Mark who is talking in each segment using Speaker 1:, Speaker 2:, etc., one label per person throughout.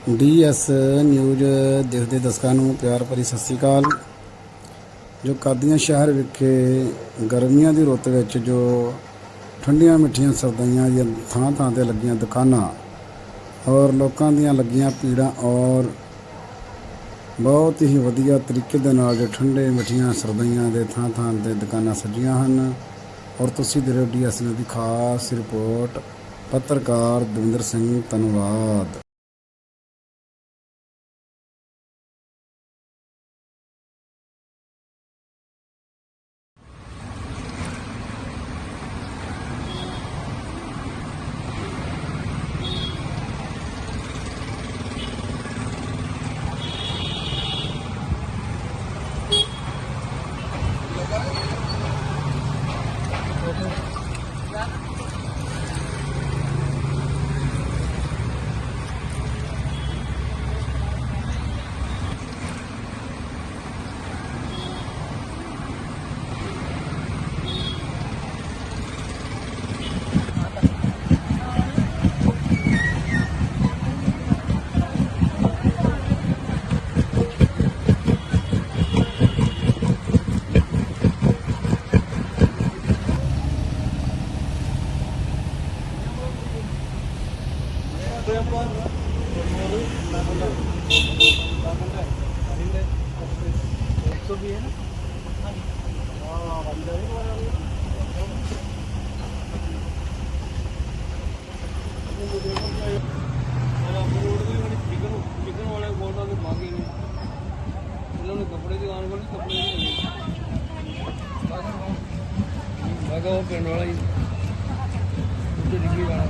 Speaker 1: DS news ਦੇਖਦੇ ਦਰਸ਼ਕਾਂ ਨੂੰ ਪਿਆਰ ਭਰੀ ਸਤਿ ਸ਼੍ਰੀ ਅਕਾਲ। ਜੋ ਕਾਦੀਆਂ ਸ਼ਹਿਰ ਵਿਖੇ ਗਰਮੀਆਂ ਦੀ ਰੁੱਤ ਵਿੱਚ ਜੋ ਠੰਡੀਆਂ ਮਿੱਠੀਆਂ ਸਰਦਾਈਆਂ ਦੀਆਂ ਥਾਂ ਥਾਂ 'ਤੇ ਲੱਗੀਆਂ ਦੁਕਾਨਾਂ ਔਰ ਲੋਕਾਂ ਦੀਆਂ ਲੱਗੀਆਂ ਭੀੜਾਂ ਔਰ ਬਹੁਤ ਹੀ ਵਧੀਆ ਤਰੀਕੇ ਦੇ ਨਾਲ ਜੋ ਠੰਡੇ ਮਿੱਠੀਆਂ ਸਰਦਾਈਆਂ ਦੇ ਥਾਂ ਥਾਂ 'ਤੇ ਦੁਕਾਨਾਂ ਸਜੀਆਂ ਹਨ। ਔਰ ਤੁਸੀਂ ਦੇ ਰਹੇ ਹੋ DS ਨਿਊਜ਼ ਦੀ ਖਾਸ ਰਿਪੋਰਟ। ਪੱਤਰਕਾਰ ਦਵਿੰਦਰ ਸਿੰਘ, ਧੰਨਵਾਦ।
Speaker 2: कपड़े दुकान वाले कपड़े वो पिंड वाला ही डिग्री वाला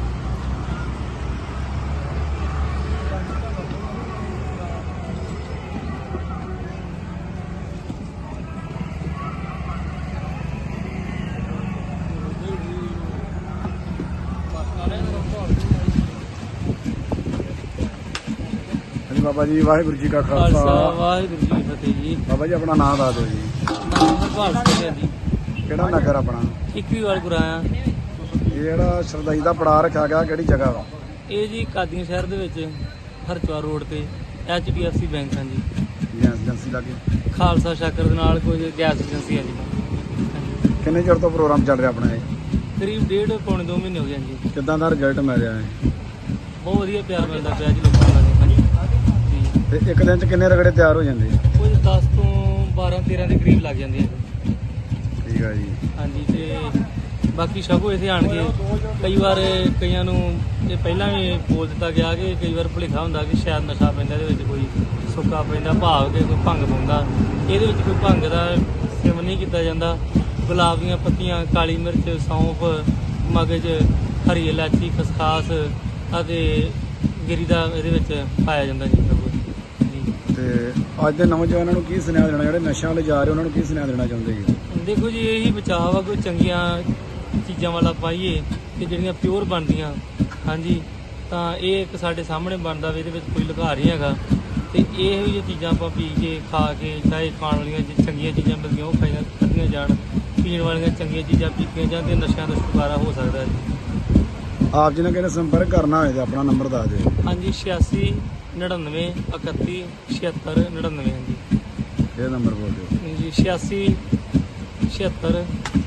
Speaker 1: बाबा जी वाहिगुरू जी का खालसा
Speaker 2: वाहिगुरू जी की फतेह जी।
Speaker 1: बाबा जी अपना नाम दस दो जी।
Speaker 2: हरपाल ਸਿੰਘ ਜੀ।
Speaker 1: ਕਿਹੜਾ ਨਗਰ ਆਪਣਾ?
Speaker 2: ਇੱਕੀਵਾਲ ਗੁਰਾਇਆ।
Speaker 1: ਇਹ ਜਿਹੜਾ ਸਰਦਾਈ ਦਾ ਪੜਾਅ ਰੱਖਿਆ ਗਿਆ ਕਿਹੜੀ ਜਗ੍ਹਾ ਵਾ?
Speaker 2: ਇਹ ਜੀ ਕਾਦੀਆਂ ਸ਼ਹਿਰ ਦੇ ਵਿੱਚ ਹਰਚਵਾਰ ਰੋਡ ਤੇ HDFC ਬੈਂਕ ਹਾਂ ਜੀ।
Speaker 1: ਗੈਸ ਏਜੰਸੀ ਲਾਗੇ
Speaker 2: ਖਾਲਸਾ ਸ਼ਾਕਰ ਦੇ ਨਾਲ ਕੋਈ ਗੈਸ ਏਜੰਸੀ ਹੈ ਜੀ।
Speaker 1: ਕਿੰਨੇ ਚਿਰ ਤੋਂ ਪ੍ਰੋਗਰਾਮ ਚੱਲ ਰਿਹਾ ਆਪਣਾ ਇਹ?
Speaker 2: ਕਰੀਬ 1.5 ਪੌਣੇ 2 ਮਹੀਨੇ ਹੋ ਗਏ ਜੀ।
Speaker 1: ਕਿੱਦਾਂ ਦਾ ਰਿਜ਼ਲਟ ਮਿਲ ਰਿਹਾ ਹੈ?
Speaker 2: ਬਹੁਤ ਵਧੀਆ ਪਿਆਰ ਮਿਲਦਾ ਪਿਆ ਜੀ ਲੋਕਾਂ ਦਾ ਜੀ।
Speaker 1: ਤੇ ਇੱਕ ਦਿਨ ਚ ਕਿੰਨੇ ਰਗੜੇ ਤਿਆਰ ਹੋ ਜਾਂਦੇ?
Speaker 2: ਕੁਝ 10 ਤੋਂ 12-13 ਦੇ ਕਰੀਬ ਲੱਗ ਜਾਂਦੇ ਆ।
Speaker 1: ਠੀਕ ਆ ਜੀ।
Speaker 2: ਹਾਂਜੀ ਤੇ ਬਾਕੀ ਸ਼ਗੋ ਇੱਥੇ ਆਣ ਕੇ ਕਈ ਵਾਰ ਕਈਆਂ ਨੂੰ ਇਹ ਪਹਿਲਾਂ ਵੀ ਬੋਲ ਦਿੱਤਾ ਗਿਆ ਕਿ ਕਈ ਵਾਰ ਭੁਲੇਖਾ ਹੁੰਦਾ ਕਿ ਸ਼ਾਇਦ ਨਸ਼ਾ ਪੈਂਦਾ, ਇਹਦੇ ਵਿੱਚ ਕੋਈ ਸੁੱਕਾ ਪੈਂਦਾ, ਭਾਵ ਕੇ ਕੋਈ ਭੰਗ ਪਾਉਂਦਾ। ਇਹਦੇ ਵਿੱਚ ਕੋਈ ਭੰਗ ਦਾ ਸੇਵਨ ਨਹੀਂ ਕੀਤਾ ਜਾਂਦਾ। ਗੁਲਾਬ ਦੀਆਂ ਪੱਤੀਆਂ, ਕਾਲੀ ਮਿਰਚ, ਸੌਂਫ, ਮਗਜ਼, ਹਰੀ ਇਲਾਚੀ, ਖਸਖਾਸ ਅਤੇ ਗਿਰੀ ਦਾ ਇਹਦੇ ਵਿੱਚ ਪਾਇਆ ਜਾਂਦਾ ਜੀ।
Speaker 1: ਤੇ ਅੱਜ ਦੇ ਨੌਜਵਾਨਾਂ ਨੂੰ ਕੀ ਸੁਨੇਹਾ ਦੇਣਾ, ਜਿਹੜੇ ਨਸ਼ਿਆਂ ਵਾਲੇ ਜਾ ਰਹੇ ਉਹਨਾਂ ਨੂੰ ਕੀ ਸੁਨੇਹਾ ਦੇਣਾ ਚਾਹੁੰਦੇ ਜੀ?
Speaker 2: ਦੇਖੋ ਜੀ, ਇਹੀ ਬਚਾਅ ਵਾ ਕੋਈ ਚੰਗੀਆਂ ਚੀਜ਼ਾਂ ਵਾਲਾ ਪਾਈਏ ਕਿ ਜਿਹੜੀਆਂ ਪਿਓਰ ਬਣਦੀਆਂ। ਹਾਂਜੀ, ਤਾਂ ਇਹ ਇੱਕ ਸਾਡੇ ਸਾਹਮਣੇ ਬਣਦਾ ਵੀ ਇਹਦੇ ਵਿੱਚ ਕੋਈ ਲੁਕਾ ਨਹੀਂ ਹੈਗਾ। ਤੇ ਇਹੋ ਜਿਹੀਆਂ ਚੀਜ਼ਾਂ ਆਪਾਂ ਪੀ ਕੇ, ਖਾ ਕੇ, ਚਾਹੇ ਖਾਣ ਵਾਲੀਆਂ ਚੰਗੀਆਂ ਚੀਜ਼ਾਂ ਮਿਲਦੀਆਂ ਉਹ ਖਾਧੀਆਂ ਜਾਣ, ਪੀਣ ਵਾਲੀਆਂ ਚੰਗੀਆਂ ਚੀਜ਼ਾਂ ਪੀਤੀਆਂ ਜਾਣ ਤੇ ਨਸ਼ਿਆਂ ਤੋਂ ਛੁਟਕਾਰਾ ਹੋ ਸਕਦਾ ਜੀ।
Speaker 1: ਆਪ ਜੀ ਨੇ ਕਹਿੰਦੇ ਸੰਪਰਕ ਕਰਨਾ ਹੋਵੇ ਤਾਂ ਆਪਣਾ ਨੰਬਰ ਦੱਸ ਦਿਓ।
Speaker 2: ਹਾਂਜੀ, 86 99 31 76 99 ਹਾਂਜੀ।
Speaker 1: ਇਹ ਨੰਬਰ ਬੋਲ ਦਿਓ
Speaker 2: ਜੀ। 86 76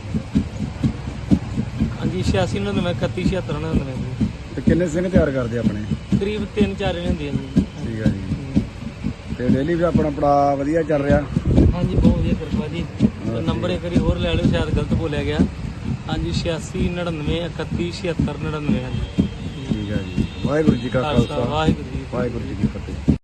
Speaker 2: ਹਾਂਜੀ 86 99 31 76 99 ਜੀ।
Speaker 1: ਤੇ ਕਿੰਨੇ ਸਿੰਘ ਤਿਆਰ ਕਰਦੇ ਆਪਣੇ?
Speaker 2: ਕਰੀਬ 3-4 ਜਣੇ ਹੁੰਦੇ ਆ ਜੀ।
Speaker 1: ਠੀਕ ਆ ਜੀ। ਤੇ ਡੇਲੀ ਵੀ ਆਪਣਾ ਪੜਾਅ ਵਧੀਆ ਚੱਲ ਰਿਹਾ?
Speaker 2: ਹਾਂਜੀ, ਬਹੁਤ ਵਧੀਆ ਕਿਰਪਾ ਜੀ। ਨੰਬਰ ਇੱਕ ਵਾਰੀ ਹੋਰ ਲੈ ਲਿਓ, ਸ਼ਾਇਦ ਗਲਤ ਬੋਲਿਆ ਗਿਆ। ਹਾਂਜੀ, 86 99 31 76 99 ਹਾਂਜੀ।
Speaker 1: ਠੀਕ ਆ ਜੀ। ਵਾਹਿਗੁਰੂ ਜੀ ਕਾ ਖਾਲਸਾ,
Speaker 2: ਵਾਹਿਗੁਰੂ ਜੀ
Speaker 1: ਵਾਹਿਗੁਰੂ ਜੀ ਕੀ ਫਤਿਹ।